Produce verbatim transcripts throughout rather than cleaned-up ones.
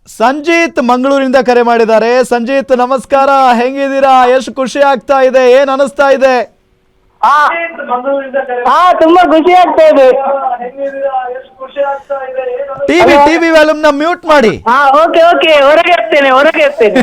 ಸಂಜೀತ್ ಮಂಗಳೂರಿಂದ ಕರೆ ಮಾಡಿದ್ದಾರೆ. ಸಂಜೀತ್ ನಮಸ್ಕಾರ, ಹೆಂಗಿದ್ದೀರಾ? ಎಷ್ಟು ಖುಷಿ ಆಗ್ತಾ ಇದೆ, ಏನ್ ಅನಿಸ್ತಾ ಇದೆ? ಹಾ ತುಂಬಾ ಖುಷಿ ಆಗ್ತಾ ಇದೆ. ಟಿವಿ ಟಿವಿ ವ್ಯಾಲ್ಯೂಮ್ ನ ಮ್ಯೂಟ್ ಮಾಡಿ. ಹಾ ಓಕೆ ಓಕೆ ಹೊರಗೆ ಇರ್ತೇನೆ ಹೊರಗೆ ಇರ್ತೇನೆ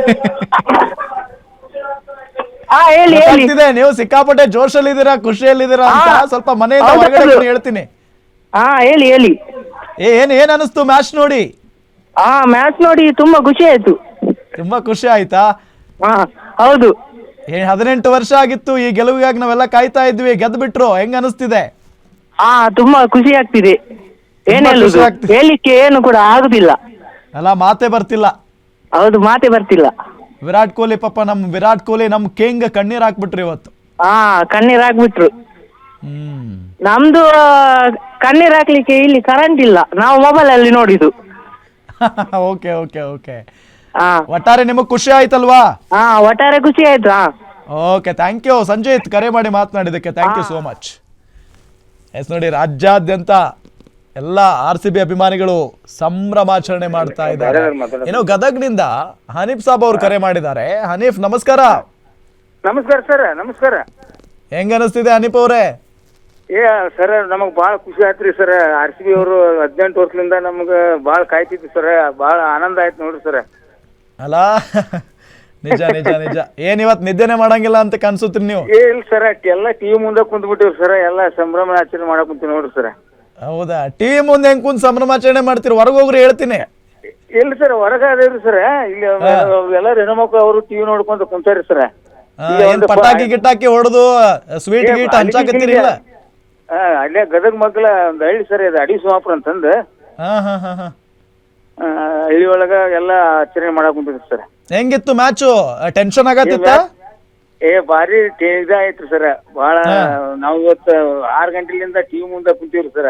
ಹಾ ಹೇಳಿ ಹೇಳಿ. ಗೊತ್ತಾಗ್ತಿದೆ ನೀವು ಸಿಕ್ಕಾಪಟ್ಟೆ ಜೋಶಲ್ಲಿದ್ದೀರಾ, ಖುಷಿಯಲ್ಲಿದ್ದೀರಾ ಅಂತ. ಹಾ. ಸ್ವಲ್ಪ ಮನೆಯಿಂದ ಹೌದು, ಹೊರಗಡೆ ಹೌದು. ಬನ್ನಿ, ಹೇಳ್ತೀನಿ. ಹಾ ಹೇಳಿ ಹೇಳಿ. ಏ- ಏನ್ ಏನ್ ಅನಿಸ್ತು ಮ್ಯಾಚ್ ನೋಡಿ? ಹಾ ಮ್ಯಾಚ್ ನೋಡಿ ತುಂಬಾ ಖುಷಿ ಆಯ್ತು. ತುಂಬಾ ಖುಷಿ ಆಯ್ತಾ? ಹಾ ಹೌದು. ಏ ಹದಿನೆಂಟು ವರ್ಷ ಆಗಿತ್ತು ಈ ಗೆಲುವಿಗಾಗಿ ನಾವೆಲ್ಲ ಕಾಯ್ತಾ ಇದ್ವಿ, ಗೆದ್ದು ಬಿಟ್ರು. ಹೆಂಗ್ ಅನಿಸ್ತಿದೆ? ಹಾ ತುಂಬಾ ಖುಷಿ ಆಗ್ತಿದೆ. ಏನ್ ತುಂಬಾ ಹೇಳುದು, ಖುಷಿ ಆಗ್ತಿದೆ. ಹೇಳಿಕ್ಕೆ ಏನು ಕೂಡ ಆಗುದಿಲ್ಲ. ಅಲ್ಲ, ಮಾತೇ ಬರ್ತಿಲ್ಲ. ಹೌದು, ಮಾತೆ ಬರ್ತಿಲ್ಲ. ವಿರಾಟ್ ಕೊಹ್ಲಿ ಪಾಪ, ನಮ್ ವಿರಾಟ್ ಕೊಹ್ಲಿ ನಮ್ ಕಿಂಗ್ ಕಣ್ಣೀರ್ ಹಾಕ್ಬಿಟ್ರು ಇವತ್ತು. ಹಾ ಕಣ್ಣೀರ್ ಹಾಕ್ಬಿಟ್ರು. ಹ್ಮ್ ನಮ್ದು ಆ, ಕಣ್ಣೀರ್ ಹಾಕ್ಲಿಕ್ಕೆ ಇಲ್ಲಿ ಕರೆಂಟ್ ಇಲ್ಲ, ನಾವು ಮೊಬೈಲ್ ಅಲ್ಲಿ ನೋಡಿದ್ದು. Okay okay okay. ಹಾ ಒಟ್ಟಾರೆ ನಿಮಗ್ ಖುಷಿ ಆಯ್ತಲ್ವಾ? ಹಾ ಒಟ್ಟಾರೆ ಖುಷಿ ಆಯ್ತು. ಹಾ ಓಕೆ, ಥ್ಯಾಂಕ್ ಯು ಸಂಜೀತ್, ಕರೆ ಮಾಡಿ ಮಾತನಾಡಿದಕ್ಕೆ thank you so much. Yes ನೋಡಿ, ರಾಜ್ಯಾದ್ಯಂತ ಎಲ್ಲ ಆರ್ ಸಿ ಬಿ ಅಭಿಮಾನಿಗಳು ಸಂಭ್ರಮಾಚರಣೆ ಮಾಡ್ತಾ ಇದ್ದಾರೆ. ಏನೋ ಗದಗ್ನಿಂದ ಹನೀಫ್ ಸಾಬ್ ಅವ್ರು ಕರೆ ಮಾಡಿದ್ದಾರೆ. ಹನೀಫ್ ನಮಸ್ಕಾರ. ನಮಸ್ಕಾರ ಸರ್, ನಮಸ್ಕಾರ. ಹೆಂಗ ಅನಿಸ್ತಿದೆ ಹನೀಫ್ ಅವರೇ? ಏ ಸರ್, ನಮಗ್ ಬಾಳ ಖುಷಿ ಆಯ್ತ್ರಿ ಸರ್. ಆರ್ ಸಿ ಬಿ ಅವರು ಹದಿನೆಂಟು ವರ್ಷದಿಂದ ನಮ್ಗ ಬಾಳ ಕಾಯ್ತಿದ್ವಿ ಸರ್. ಬಾಳ ಆನಂದ ಆಯ್ತು ನೋಡ್ರಿ ಸರ್. ಅಲ್ಲ ನಿಜ ನಿಜ ನಿಜ. ಏನ್ ಇವತ್ ನಿದ್ದೆನೆ ಮಾಡಂಗಿಲ್ಲ ಅಂತ ಕನ್ಸುತ್ತೀರಿ ನೀವು? ಏ ಇಲ್ಲ ಸರ್, ಎಲ್ಲ ಟಿವಿ ಮುಂದೆ ಕುಂತ್ ಬಿಟ್ಟಿವ್ರಿ ಸರ್. ಎಲ್ಲ ಸಂಭ್ರಮ ಆಚರಣೆ ಮಾಡಕ್ ಕುಂತೀವಿ ನೋಡ್ರಿ ಸರ್. ಹೌದಾ? ಟಿವಿ ಮುಂದೆ ಹೆಂಗ್ ಕುಂತ್ ಸಂಭ್ರಮಾಚರಣೆ ಮಾಡ್ತೀರಿ? ಹೊರಗೆ ಹೋಗ್ರಿ ಹೇಳ್ತೀನಿ. ಇಲ್ಲ ಸರ್, ಹೊರಗ ಅದೇವ್ರಿ ಸರ್. ಇಲ್ಲಿ ಎಲ್ಲ ಹೆಣ್ಮಕ್ಳು ಅವರು ಟಿವಿ ನೋಡ್ಕೊಂತ ಕುಂತಾರಿ ಸರ್. ಆ, ಏನ್ ಪಟಾಕಿ ಗಿಟಾಕಿ ಹೊಡೆದು ಸ್ವೀಟ್ ಗೀಟ್ ಹಂಚಾಕತ್ತೀರಿ? ಇಲ್ಲ, ಅಲ್ಲೇ ಗದಗ ಮಗ್ಲ ಒಂದ್ ಹಳ್ಳಿ ಸರ್, ಇದು ಅಡಿ ಸೋಮಾಪುರ ಅಂತಂದು. ಹಾ ಹಾ ಹಾ ಹಾ. ಆ, ಹಳ್ಳಿ ಒಳಗ ಎಲ್ಲ ಆಚರಣೆ ಮಾಡಕ್ ಕುಂತಿದ್ವಿ ಸರ್. ಹೆಂಗಿತ್ತು ಮ್ಯಾಚು? ಟೆನ್ಷನ್ ಆಗತ್ತಿತ್ತ? ಏ ಬಾರಿ ಇದಾಯ್ತು ಸರ್. ಬಹಳ ನಾವ್ ಇವತ್ತು ಆರ್ ಗಂಟೆಲಿಂದ ಟಿವಿ ಮುಂದೆ ಕುಂತೀವ್ರಿ ಸರ್.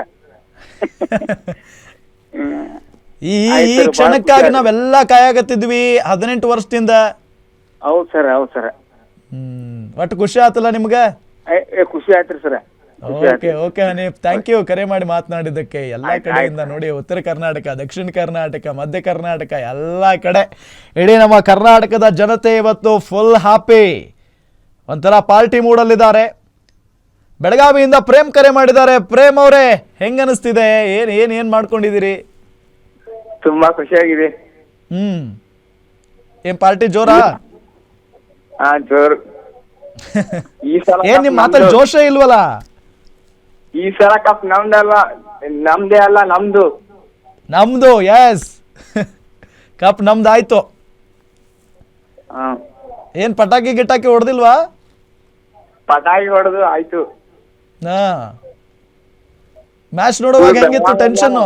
ಈ ಈ ಕ್ಷಣಕ್ಕಾಗಿ ನಾವೆಲ್ಲ ಕಾಯಾಗತ್ತಿದ್ವಿ ಹದಿನೆಂಟು ವರ್ಷದಿಂದ. ಹೌದ್ ಸರ್, ಹೌದ್ ಸರ್. ಹ್ಮ್ ಒಟ್ಟು ಖುಷಿ ಆತಲ್ಲ ನಿಮ್ಗ? ಏ ಖುಷಿ ಆಯ್ತ್ರಿ sir. Okay okay Hanif, thank you ಕರೆ ಮಾಡಿ ಮಾತನಾಡಿದ್ದಕ್ಕೆ. ಎಲ್ಲಾ ಕಡೆಯಿಂದ ನೋಡಿ, ಉತ್ತರ ಕರ್ನಾಟಕ, ದಕ್ಷಿಣ ಕರ್ನಾಟಕ, ಮಧ್ಯ ಕರ್ನಾಟಕ, ಎಲ್ಲಾ ಕಡೆ ಇಡೀ ನಮ್ಮ ಕರ್ನಾಟಕದ ಜನತೆ ಇವತ್ತು ಫುಲ್ ಹ್ಯಾಪಿ, ಒಂಥರ ಪಾರ್ಟಿ ಮೂಡಲ್ಲಿದ್ದಾರೆ. ಬೆಳಗಾವಿಯಿಂದ ಪ್ರೇಮ್ ಕರೆ ಮಾಡಿದ್ದಾರೆ. ಪ್ರೇಮ್ ಅವರೇ, ಹೆಂಗ ಅನಿಸ್ತಿದೆ? ಏನ್ ಏನ್ ಏನ್ ಮಾಡ್ಕೊಂಡಿದ್ದೀರಿ? ತುಂಬಾ ಖುಷಿಯಾಗಿದೆ. ಹ್ಮ್ ಏನ್ ಪಾರ್ಟಿ ಜೋರಾ? ಹಾ ಜೋರ್. ಈ ಸಲ ಏನ್ ನಿಮ್ ಮಾತಲ್ಲಿ ಜೋಶೇ ಇಲ್ವಲ್ಲ? ಈ ಸಲ ಕಪ್ ನಮ್ದಲ್ಲ, ನಮ್ದೇ ಅಲ್ಲ, ನಮ್ದು. ನಮ್ದು, ಎಸ್. ಕಪ್ ನಮ್ದಾಯ್ತು. ಏನ್ ಪಟಾಕಿ ಗಿಟಾಕಿ ಹೊಡೆದಿಲ್ವಾ? ಪಟಾಕಿ ಹೊಡೆದು ಆಯ್ತು. ಹಾ, ಮ್ಯಾಚ್ ನೋಡುವಾಗ ಹೆಂಗಿತ್ತು ಟೆನ್ಷನ್?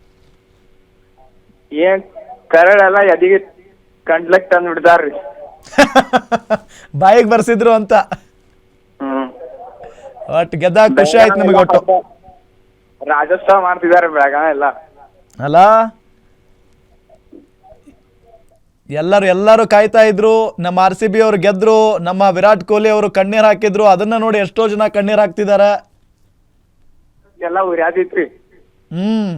ಏನ್ ಕರಡೆಲ್ಲ ಎದಿಗೆ ಕಂಡ್ಲಕ್ ತಂದ್ ಬಿಡ್ತಾರ್ರಿ. ಬಾಯಿಗೆ ಬರ್ಸಿದ್ರು ಅಂತ. ಹ್ಮ್ ಒಟ್ಟು ಗೆದ್ದ ಖುಷಿ ಆಯ್ತು ನಮಗೆ. ಒಟ್ಟು ರಾಜೋತ್ಸವ ಮಾಡ್ತಿದಾರೆ ಬೆಳಗಾವಿ ಎಲ್ಲ. ಅಲ್ಲ, ಎಲ್ಲರೂ ಎಲ್ಲರೂ ಕಾಯ್ತಾ ಇದ್ರು. ನಮ್ಮ ಆರ್ ಸಿ ಬಿ ಅವರು ಗೆದ್ರು, ನಮ್ಮ ವಿರಾಟ್ ಕೊಹ್ಲಿ ಅವರು ಕಣ್ಣೀರ್ ಹಾಕಿದ್ರು. ಅದನ್ನ ನೋಡಿ ಎಷ್ಟೋ ಜನ ಕಣ್ಣೀರ್ ಹಾಕ್ತಿದಾರೆ. ಎಲ್ಲ ಉರ್ಯಾದಿತ್ರಿ. Hmm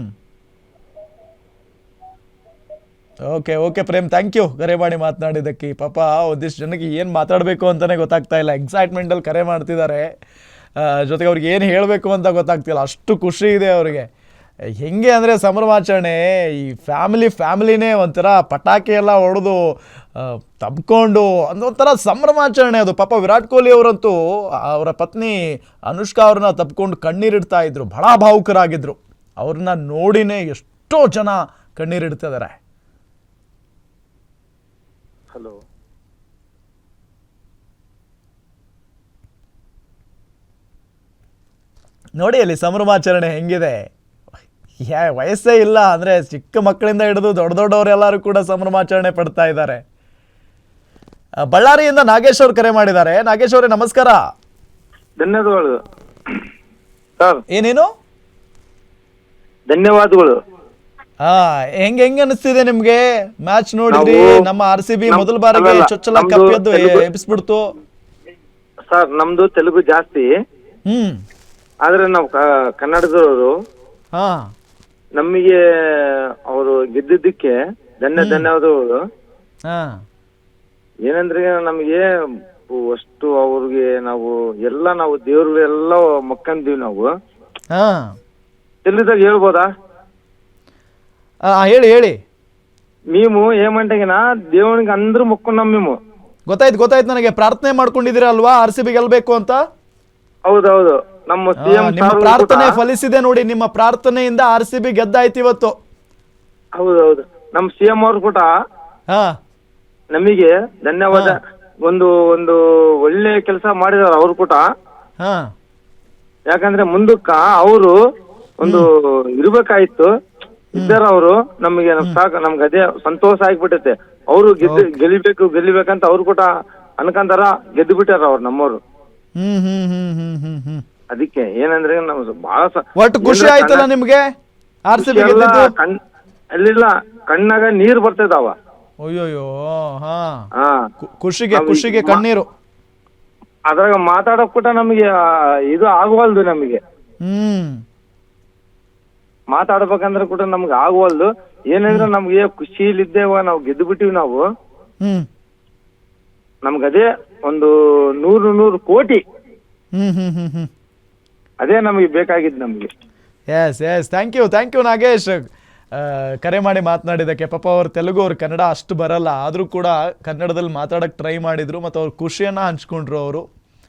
okay okay Prem, thank you ಕರೆ ಮಾಡಿ ಮಾತನಾಡಿದ್ದಕ್ಕೆ. ಪಾಪ ಒಂದಿಷ್ಟು ಜನಕ್ಕೆ ಏನು ಮಾತಾಡಬೇಕು ಅಂತಲೇ ಗೊತ್ತಾಗ್ತಾ ಇಲ್ಲ. ಎಕ್ಸೈಟ್ಮೆಂಟಲ್ಲಿ ಕರೆ ಮಾಡ್ತಿದ್ದಾರೆ, ಜೊತೆಗೆ ಅವ್ರಿಗೆ ಏನು ಹೇಳಬೇಕು ಅಂತ ಗೊತ್ತಾಗ್ತಿಲ್ಲ, ಅಷ್ಟು ಖುಷಿ ಇದೆ ಅವರಿಗೆ. ಹೆಂಗೆ ಅಂದರೆ ಸಂಭ್ರಮಾಚರಣೆ, ಈ ಫ್ಯಾಮಿಲಿ ಫ್ಯಾಮಿಲಿನೇ ಒಂಥರ ಪಟಾಕಿ ಎಲ್ಲ ಹೊಡೆದು ತಬ್ಕೊಂಡು ಒಂಥರ ಸಂಭ್ರಮಾಚರಣೆ ಅದು. ಪಾಪ ವಿರಾಟ್ ಕೊಹ್ಲಿ ಅವರಂತೂ ಅವರ ಪತ್ನಿ ಅನುಷ್ಕಾ ಅವ್ರನ್ನ ತಬ್ಕೊಂಡು ಕಣ್ಣೀರಿಡ್ತಾ ಇದ್ರು, ಬಹಳ ಭಾವುಕರಾಗಿದ್ದರು. ಅವ್ರನ್ನ ನೋಡಿನೇ ಎಷ್ಟೋ ಜನ ಕಣ್ಣೀರಿಡ್ತಿದ್ದಾರೆ. ಹಲೋ, ನೋಡಿ ಅಲ್ಲಿ ಸಂಭ್ರಮಾಚರಣೆ ಹೆಂಗಿದೆ. ಯಾ ವಯಸ್ಸೇ ಇಲ್ಲ ಅಂದರೆ ಚಿಕ್ಕ ಮಕ್ಕಳಿಂದ ಹಿಡಿದು ದೊಡ್ಡ ದೊಡ್ಡವರೆಲ್ಲರೂ ಕೂಡ ಸಂಭ್ರಮಾಚರಣೆ ಪಡ್ತಾ ಇದ್ದಾರೆ. ಬಳ್ಳಾರಿಯಿಂದ ನಾಗೇಶ್ ಅವ್ರು ಕರೆ ಮಾಡಿದ್ದಾರೆ. ನಾಗೇಶ್ ಅವರೇ ನಮಸ್ಕಾರ. ಧನ್ಯವಾದಗಳು ಸರ್. ಏನೇನು ಧನ್ಯವಾದಗಳು. ಹಾ, ಹೆಂಗ್ ಹೆಂಗ್ ಅನಿಸ್ತಿದೆ ನಿಮ್ಗೆ? ಮ್ಯಾಚ್ ನೋಡಿದ್ರಿ? ನಮ್ಮ ಆರ್ ಸಿ ಬಿ ಮೊದಲ ಬಾರಿಗೆ ಚೊಚ್ಚಲ ಕಪ್ ಎದ್ದು ಎಬ್ಬಿಸ್ಬಿಡ್ತು. ಸರ್ ನಮ್ದು ತೆಲುಗು ಜಾಸ್ತಿ, ಹ್ಮ್ ಆದ್ರೆ ನಾವು ಕನ್ನಡದವರು. ಹಾ ನಮಗೆ ಅವರು ಗೆದ್ದಿದ್ದಕ್ಕೆ ಧನ್ಯ ಧನ್ಯವಾದಗಳು. ಹಾಂ ಏನಂದ್ರೆ ನಮಗೆ ಅಷ್ಟು ಅವ್ರಿಗೆ ನಾವು ಎಲ್ಲ ನಾವು ದೇವ್ರು ಎಲ್ಲ ಮಕ್ಕಂದೀವಿ ನಾವು. ಹಾಂ ಎಲ್ಲಿದಾಗ ಹೇಳ್ಬೋದಾ? ಹೇಳಿ ಹೇಳಿ. మేము ఏమంటేగినా దేవునికి అందరూ మొక్కున్నాం మేము. ಗೊತ್ತಾಯ್ತು ಗೊತ್ತಾಯ್ತು ನನಗೆ. ಪ್ರಾರ್ಥನೆ ಮಾಡ್ಕೊಂಡಿದ್ದೀರಾ ಅಲ್ವಾ ಆರ್ ಸಿ ಬಿ ಗೆಲ್ಬೇಕು ಅಂತ? ಹೌದೌದು. ನಮ್ಮ ಸಿಎಂ ನಿಮ್ಮ ಪ್ರಾರ್ಥನೆ ಫಲಿಸಿದೆ ನೋಡಿ. ನಿಮ್ಮ ಪ್ರಾರ್ಥನೆಯಿಂದ ಆರ್ ಸಿ ಬಿ ಗೆದ್ದಾಯ್ತು ಇವತ್ತು. ಹೌದೌದು. ನಮ್ಮ ಸಿಎಂ ಅವರು ಕೂಡ ಹಾ ನಮಗೆ ಧನ್ಯವಾದ. ಒಂದು ಒಂದು ಒಳ್ಳೆ ಕೆಲಸ ಮಾಡಿದಾರೆ ಅವರು ಕೂಡ. ಹಾ ಯಾಕಂದ್ರೆ ಮುಂದಕ್ಕ ಅವರು ಒಂದು ಇರ್ಬೇಕಾಯ್ತು. ಇದ್ದಾರ ಅವರು ನಮಗೆ ನಮ್ ಸಾಕು ನಮ್ಗೆ ಅದೇ ಸಂತೋಷ ಆಗ್ಬಿಟ್ಟೈತೆ. ಅವರು ಗೆದ್ದು ಗೆಲಿಬೇಕು ಗೆಲ್ಲಿಬೇಕಂತ ಅವ್ರು ಕೂಡ ಅನ್ಕಂತಾರ. ಗೆದ್ದು ಬಿಟ್ಟಾರ ಅವ್ರು ನಮ್ಮವ್ರು. ಹ್ಮ್ ಹ್ಮ್ ಹ್ಮ್ ಹ್ಮ್ ಹ್ಮ್ ಹ್ಮ್ ಅದಕ್ಕೆ ಏನಂದ್ರೆ ನಮ್ದು ಬಹಳ ಒಟ್ಟು ಖುಷಿ ಆಯ್ತಲ್ಲ ನಿಮ್ಗೆ ಆರ್ ಸಿ ಬಿ ಗೆದ್ದಿದ್ದು? ಕಣ್ ಅಲ್ಲಿಲ್ಲ ಕಣ್ಣಾಗ ನೀರ್ ಬರ್ತೈದಾವ. ಅಯ್ಯೋಯ್ಯೋ. ಹಾ ಹಾ ಖುಷಿಗೆ ಖುಷಿಗೆ ಕಣ್ಣೀರು. ಅದ್ರಾಗ ಮಾತಾಡಕ್ ಕೂಡ ನಮಗೆ ಇದು ಆಗವಲ್ದು. ನಮಗೆ ಹ್ಮ್ ಮಾತಾಡ್ಬೇಕಂದ್ರೆ ಕೂಡ ನಮ್ಗೆ ಆಗವಲ್ದು. ಏನಂದ್ರೆ ನಮ್ಗೆ ಖುಷಿಲಿದ್ದೇವ ನಾವು ಗೆದ್ದು ಬಿಟ್ಟಿವಿ ನಾವು. ಹ್ಮ್ ನಮ್ಗದೇ ಒಂದು ನೂರು ನೂರು ಕೋಟಿ ಹ್ಮ್ ಹ್ಮ್ ಹ್ಮ್ ಹ್ಮ್ ಅದೇ ನಮಗೆ ಬೇಕಾಗಿದ್ದು ನಮ್ಗೆ. Yes yes thank you thank you Nagesh. ಕರೆ ಮಾಡಿ ಮಾತನಾಡಿದ್ದಕ್ಕೆ. ಪಾಪ ಅವ್ರು ತೆಲುಗು ಅವ್ರು ಕನ್ನಡ ಅಷ್ಟು ಬರಲ್ಲ, ಆದರೂ ಕೂಡ ಕನ್ನಡದಲ್ಲಿ ಮಾತಾಡೋಕ್ಕೆ ಟ್ರೈ ಮಾಡಿದರು ಮತ್ತು ಅವ್ರ ಖುಷಿಯನ್ನು ಹಂಚ್ಕೊಂಡ್ರು ಅವರು.